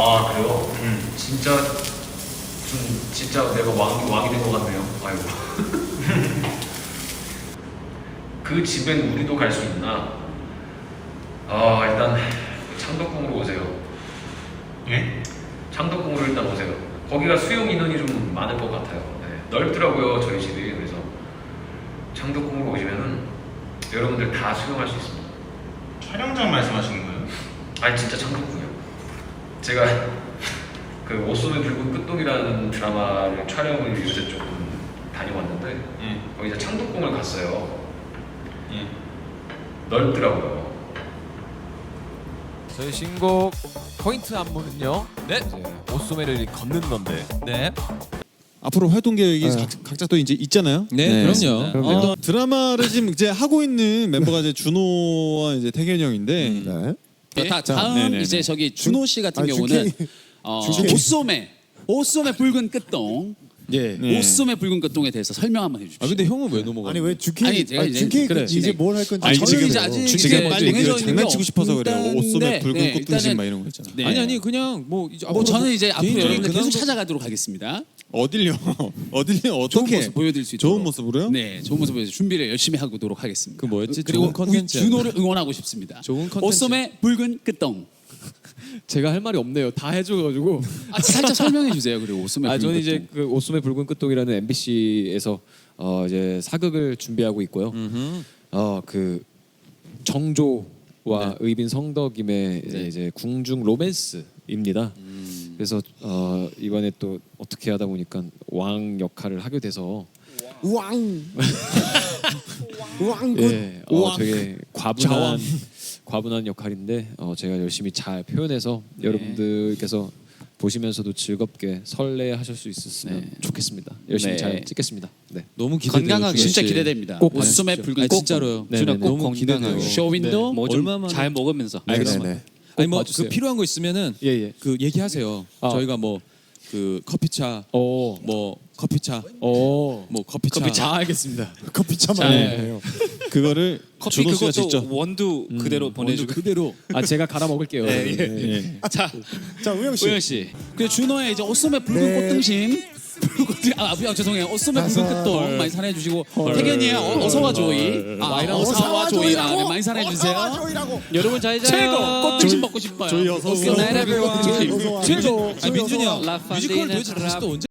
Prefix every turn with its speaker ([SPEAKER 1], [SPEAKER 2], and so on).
[SPEAKER 1] 아 그래요? 진짜 진짜 내가 왕이 된 것 같네요. 아이고. 그 집엔 우리도 갈 수 있나? 아 일단 창덕궁으로 오세요.
[SPEAKER 2] 예?
[SPEAKER 1] 창덕궁으로 일단 오세요. 거기가 수용 인원이 좀 많을 것 같아요. 네, 넓더라고요 저희 집이. 그래서 창덕궁으로 오시면은 여러분들 다 수용할 수 있습니다.
[SPEAKER 2] 촬영장 말씀하시는 거예요?
[SPEAKER 1] 아니 진짜 창덕궁이요. 제가 그 옷소매 붉은 끝동이라는 드라마를 촬영을 요새 조금 다녀왔는데
[SPEAKER 2] 예.
[SPEAKER 1] 거기 이제 창덕궁을 갔어요.
[SPEAKER 2] 예.
[SPEAKER 1] 넓더라고요.
[SPEAKER 3] 저희 신곡 포인트 안무는요. 네. 옷소매를 걷는 건데.
[SPEAKER 4] 네.
[SPEAKER 5] 앞으로 활동 계획이 각자 또 이제 있잖아요.
[SPEAKER 4] 네, 그럼요.
[SPEAKER 5] 드라마를 지금 이제 하고 있는 멤버가 이제 준호와 이제 태견이 형인데.
[SPEAKER 4] 다음
[SPEAKER 5] 네네네.
[SPEAKER 4] 이제 저기 준호 씨 같은
[SPEAKER 6] 아니,
[SPEAKER 4] 경우는
[SPEAKER 6] 준케이.
[SPEAKER 4] 옷소매 붉은 끝동.
[SPEAKER 5] 네.
[SPEAKER 4] 옷소매 붉은 끝동에 대해서 설명 한번 해주십시오.
[SPEAKER 3] 아 근데 형은 왜 넘어가?
[SPEAKER 6] 아니 왜 주케이?
[SPEAKER 4] 아니, 제가 이제
[SPEAKER 6] 주케이
[SPEAKER 4] 그래,
[SPEAKER 6] 이제
[SPEAKER 4] 진행.
[SPEAKER 6] 뭘 할 건지
[SPEAKER 5] 아니,
[SPEAKER 4] 저는
[SPEAKER 5] 지금
[SPEAKER 4] 이제 아직
[SPEAKER 5] 지금
[SPEAKER 4] 이제
[SPEAKER 5] 빨리
[SPEAKER 4] 정해져
[SPEAKER 5] 그
[SPEAKER 4] 있는
[SPEAKER 5] 장난치고
[SPEAKER 4] 게
[SPEAKER 5] 싶어서 그래요.
[SPEAKER 4] 없는데,
[SPEAKER 5] 옷소매 붉은
[SPEAKER 4] 네,
[SPEAKER 5] 꽃등심
[SPEAKER 4] 일단은-
[SPEAKER 5] 막 이런 거 있잖아.
[SPEAKER 4] 네.
[SPEAKER 3] 아니 그냥 뭐 이제
[SPEAKER 4] 뭐 저는 이제 앞으로
[SPEAKER 3] 개인적인
[SPEAKER 4] 여러분들 계속
[SPEAKER 3] 근황도-
[SPEAKER 4] 찾아가도록 하겠습니다.
[SPEAKER 5] 어딜요? 어딜요?
[SPEAKER 4] 좋은
[SPEAKER 5] 어떻게?
[SPEAKER 4] 모습 보여드릴 수 있도록.
[SPEAKER 5] 좋은 모습으로요?
[SPEAKER 4] 네, 좋은 모습 보여서 준비를 열심히 하도록 하겠습니다.
[SPEAKER 3] 그 뭐였지?
[SPEAKER 4] 그리고
[SPEAKER 3] 좋은 컨텐츠.
[SPEAKER 4] 준호를 응원하고 싶습니다.
[SPEAKER 3] 좋은 컨텐츠.
[SPEAKER 4] 옷소매 붉은 끝동.
[SPEAKER 3] 제가 할 말이 없네요. 다 해줘가지고.
[SPEAKER 4] 살짝 설명해 주세요. 그리고 옷소매 붉은
[SPEAKER 3] 저는
[SPEAKER 4] 끝동.
[SPEAKER 3] 이제 그 옷소매 붉은 끝동이라는 MBC에서 이제 사극을 준비하고 있고요. 그 정조와 의빈 성덕임의 이제 궁중 로맨스입니다. 그래서 이번에 또 어떻게 하다 보니까 왕 역할을 하게 돼서
[SPEAKER 6] 왕. 왕.
[SPEAKER 3] 예, 되게 과분한 역할인데 제가 열심히 잘 표현해서 여러분들께서 보시면서도 즐겁게 설레하실 수 있었으면 좋겠습니다. 열심히
[SPEAKER 4] 네.
[SPEAKER 3] 잘 찍겠습니다. 네.
[SPEAKER 7] 너무 기대돼요.
[SPEAKER 4] 건강하게 진짜 기대됩니다.
[SPEAKER 3] 꼭
[SPEAKER 4] 옷소매
[SPEAKER 3] 봐주십시오.
[SPEAKER 4] 붉은
[SPEAKER 7] 아,
[SPEAKER 4] 끝동.
[SPEAKER 7] 진짜로요.
[SPEAKER 3] 네,
[SPEAKER 7] 준아
[SPEAKER 3] 네,
[SPEAKER 7] 꼭
[SPEAKER 3] 너무 기대돼요.
[SPEAKER 7] 건강하게.
[SPEAKER 4] 쇼윈도
[SPEAKER 7] 뭐
[SPEAKER 3] 얼마만에-
[SPEAKER 7] 잘 먹으면서.
[SPEAKER 5] 알겠습니다.
[SPEAKER 7] 아니 뭐
[SPEAKER 3] 봐주세요.
[SPEAKER 7] 그 필요한 거 있으면은
[SPEAKER 3] 예.
[SPEAKER 7] 그 얘기하세요.
[SPEAKER 3] 아.
[SPEAKER 7] 저희가 뭐 그 커피차, 뭐 커피차, 뭐 커피차.
[SPEAKER 3] 알겠습니다.
[SPEAKER 6] 커피차만 해요.
[SPEAKER 5] 그거를
[SPEAKER 8] 커피
[SPEAKER 5] 준호 씨가
[SPEAKER 8] 그것도
[SPEAKER 5] 직접.
[SPEAKER 8] 원두 그대로
[SPEAKER 7] 원두
[SPEAKER 8] 보내주고
[SPEAKER 7] 그대로.
[SPEAKER 3] 제가 갈아 먹을게요.
[SPEAKER 5] 예.
[SPEAKER 4] 자,
[SPEAKER 6] 자 우영 씨.
[SPEAKER 4] 우영 씨. 그 준호의 이제 옷소매 붉은
[SPEAKER 6] 네.
[SPEAKER 4] 꽃등심. 죄송해요. 옷소매 붉은 끝동 많이 사랑해 주시고 태견이의 어서와 조이. 어서와 조이. 네, 많이 사랑해 주세요.
[SPEAKER 3] 여러분 잘 자요.
[SPEAKER 4] 최고 꽃등심 먹고 싶어요.
[SPEAKER 5] 조이 어서 오세요.
[SPEAKER 4] 옷소매 붉은 꽃등심.
[SPEAKER 6] 어서 와.
[SPEAKER 7] 최고.
[SPEAKER 6] 조이
[SPEAKER 7] 민준이
[SPEAKER 6] 어서 와.
[SPEAKER 7] 형 뮤지컬 도대체 다시 또 언제?